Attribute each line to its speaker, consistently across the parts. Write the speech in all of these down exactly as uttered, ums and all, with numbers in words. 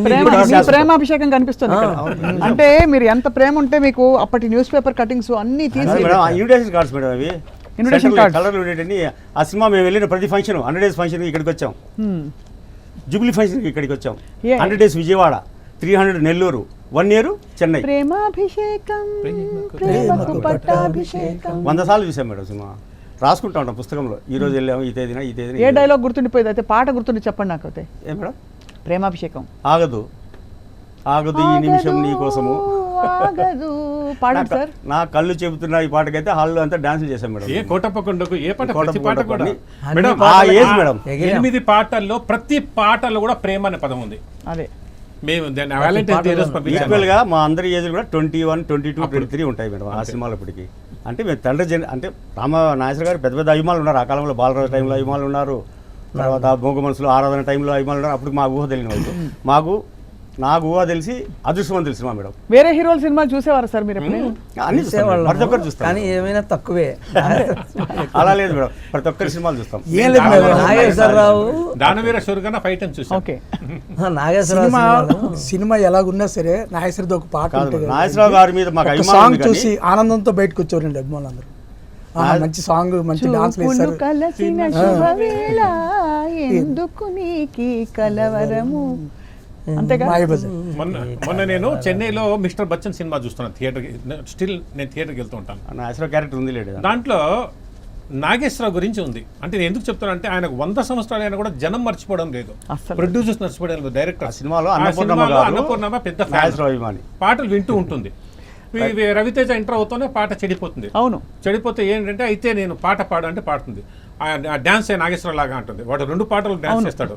Speaker 1: ప్రేమాభిషేకం కనిపిస్తుంది ఇక్కడ. అంటే మీరు ఎంత ప్రేమ ఉంటే మీకు అప్పటి న్యూస్ పేపర్ కటింగ్స్ అన్ని తీసి
Speaker 2: ఇన్విటేషన్ కార్డ్స్ మేడం అవి
Speaker 1: ఇన్విటేషన్ కార్డ్
Speaker 2: కలర్ ఉండేటని. ఆ సినిమా మేము వెళ్ళిన ప్రతి ఫంక్షన్ హండ్రెడ్ డేస్ ఫంక్షన్ ఇక్కడికి వచ్చాం, జూబ్లీ ఫంక్షన్ ఇక్కడికి వచ్చాం, hundred days Vijayawada, three hundred Nellore, one year Chennai.
Speaker 1: Premabhishekam ప్రేమకు పట్టాభిషేకం
Speaker 2: వంద సార్లు చూసాం మేడం సినిమా. రాసుకుంటా ఉంటాం పుస్తకంలో, ఈ రోజు వెళ్ళాము ఈ తేదీన ఈ తేదీన.
Speaker 1: ఏ డైలాగ్ గుర్తుండిపోయింది అయితే? పాట గుర్తుండి చెప్పండి నాకు అయితే.
Speaker 2: ఏ మేడం?
Speaker 1: ప్రేమాభిషేకం.
Speaker 2: ఆగదు ఆగదు ఈ నిమిషం నీ కోసము
Speaker 1: ఆగదు పాడండి సార్.
Speaker 2: నా కళ్ళు చెబుతున్నా ఈ పాటకైతే హాల్లో అంతా డాన్స్ చేశాం మేడం.
Speaker 3: ఏ కోటప్పకొండకు ఏ పాట ప్రతి పాట కూడా
Speaker 2: మేడం ఆ ఏజ్ మేడం.
Speaker 3: ఎనిమిది పాటల్లో ప్రతి పాటల్లో కూడా ప్రేమ అనే పదం ఉంది.
Speaker 1: అదే
Speaker 3: మేము వ్యాలంటైన్స్ డే రోజు
Speaker 2: ఈక్వల్ గా మా అందరి ఏజ్ కూడా twenty one twenty two twenty three ఉంటాయి మేడం ఆ సినిమాలో. ఇప్పటికి అంటే మేము తండ్రి జన అంటే రామ నాగేశ్వర గారు పెద్ద పెద్ద అభిమానులు ఉన్నారు. ఆ కాలంలో బాలరాజు టైంలో అభిమానులు ఉన్నారు, తర్వాత భోగ మనసులు ఆరాధన టైంలో అభిమానులు ఉన్నారు. అప్పుడు మా ఊహ తెలియని వాళ్ళు. మాకు నాకు ఊహ తెలిసి అదృష్టవంతులు సినిమా మేడం.
Speaker 1: వేరే హీరోల సినిమా చూసేవారు సార్ మీరు?
Speaker 2: అన్ని ప్రతి ఒక్కరు చూస్తాం,
Speaker 4: కానీ ఏమైనా తక్కువే.
Speaker 2: అలా లేదు మేడం, ప్రతి ఒక్కరి సినిమాలు చూస్తాం.
Speaker 4: నాగేశ్వరరావు
Speaker 3: దానవీర షూర్గా ఫైవ్ టైమ్స్ చూసాం.
Speaker 1: ఓకే.
Speaker 4: నాగేశ్వరరావు
Speaker 5: సినిమా ఎలాగున్నా సరే నాగేశ్వరరావు ఒక పాట
Speaker 2: నాగేశ్వరరావు గారి మీద మాకు
Speaker 5: సాంగ్ చూసి ఆనందంతో బయటకు వచ్చారండి అభిమానులందరూ. మంచి సాంగ్, మంచి డాన్స్ వేశారు.
Speaker 1: కలసిన శుభవేళ ఎందుకు నీకి కలవరము. అంతేగా.
Speaker 3: మొన్న మొన్న నేను చెన్నైలో మిస్టర్ బచ్చన్ సినిమా చూస్తున్నాను థియేటర్కి. స్టిల్ నేను థియేటర్కి వెళ్తూ ఉంటాను.
Speaker 2: నాగేశ్వరరావు క్యారెక్టర్ ఉంది లేదు
Speaker 3: దాంట్లో. నాగేశ్వరరావు గురించి ఉంది. అంటే నేను ఎందుకు చెప్తాను అంటే ఆయనకు వంద సంవత్సరాలు అయినా కూడా జనం మర్చిపోవడం లేదు, ప్రొడ్యూసర్స్ మర్చిపోవడం లేదు, డైరెక్టర్.
Speaker 2: సినిమాలో
Speaker 3: అన్నపూర్ణమ్మ పెద్ద ఫ్యాన్, పాటలు వింటూ ఉంటుంది. రవితేజ ఎంటర్ అవుతూనే పాట చెడిపోతుంది.
Speaker 1: అవును,
Speaker 3: చెడిపోతే ఏంటంటే అయితే నేను పాట పాడు అంటే పాడుతుంది. డాన్స్ నాగేశ్వరరావు లాగా అంటుంది. వాడు రెండు పాటలు డాన్స్ చేస్తాడు.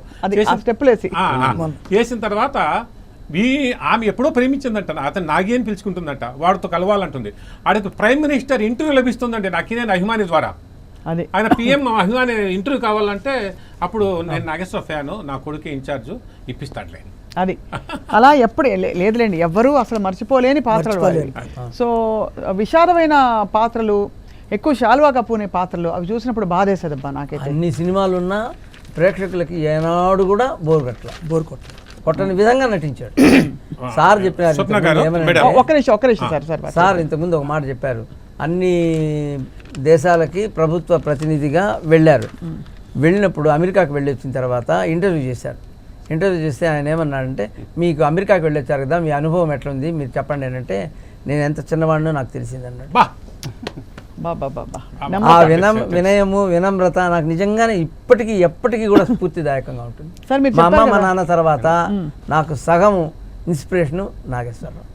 Speaker 3: వేసిన తర్వాత ఈ ఆమె ఎప్పుడో ప్రేమించిందంట, అతను నాగి అని పిలుచుకుంటుందంట, వాడితో కలవాలంటుంది. ఆడికి ప్రైమ్ మినిస్టర్ ఇంటర్వ్యూ లభిస్తుందండి నాకినే అభిమాని ద్వారా. ఆయన పిఎం అభిమాని ఇంటర్వ్యూ కావాలంటే అప్పుడు నేను నాగేశ్వర ఫ్యాను, నా కొడుకు ఇన్ఛార్జ్ ఇప్పిస్తాడులే.
Speaker 1: అది అలా ఎప్పుడు లేదులేండి, ఎవ్వరూ అసలు మర్చిపోలేని పాత్రలు. సో విషాదమైన పాత్రలు, ఎక్కువ శాలువా కప్పునే పాత్రలు, అవి చూసినప్పుడు బాధేసేదబ్బా నాకైతే.
Speaker 4: అన్ని సినిమాలు ఉన్నా ప్రేక్షకులకి ఏనాడు కూడా బోర్ కట్ల బోర్ కొట్ట కొట్టని విధంగా నటించాడు. సార్ చెప్పినారు,
Speaker 1: ఒక్క నిమిషం ఒక్క నిమిషం సార్ సార్
Speaker 4: సార్ ఇంతకుముందు ఒక మాట చెప్పారు. అన్ని దేశాలకి ప్రభుత్వ ప్రతినిధిగా వెళ్ళారు. వెళ్ళినప్పుడు అమెరికాకి వెళ్ళి వచ్చిన తర్వాత ఇంటర్వ్యూ చేశారు. ఇంటర్వ్యూ చేస్తే ఆయన ఏమన్నాడంటే, మీకు అమెరికాకి వెళ్ళొచ్చారు కదా, మీ అనుభవం ఎట్లుంది మీరు చెప్పండి అంటే, నేను ఎంత చిన్నవాడినో నాకు తెలిసిందన్నాడు. ఆ వినం వినయము వినమ్రత నాకు నిజంగానే ఇప్పటికీ ఎప్పటికీ కూడా స్ఫూర్తిదాయకంగా ఉంటుంది. మా అమ్మ మా నాన్న తర్వాత నాకు సగము ఇన్స్పిరేషను నాగేశ్వరరావు.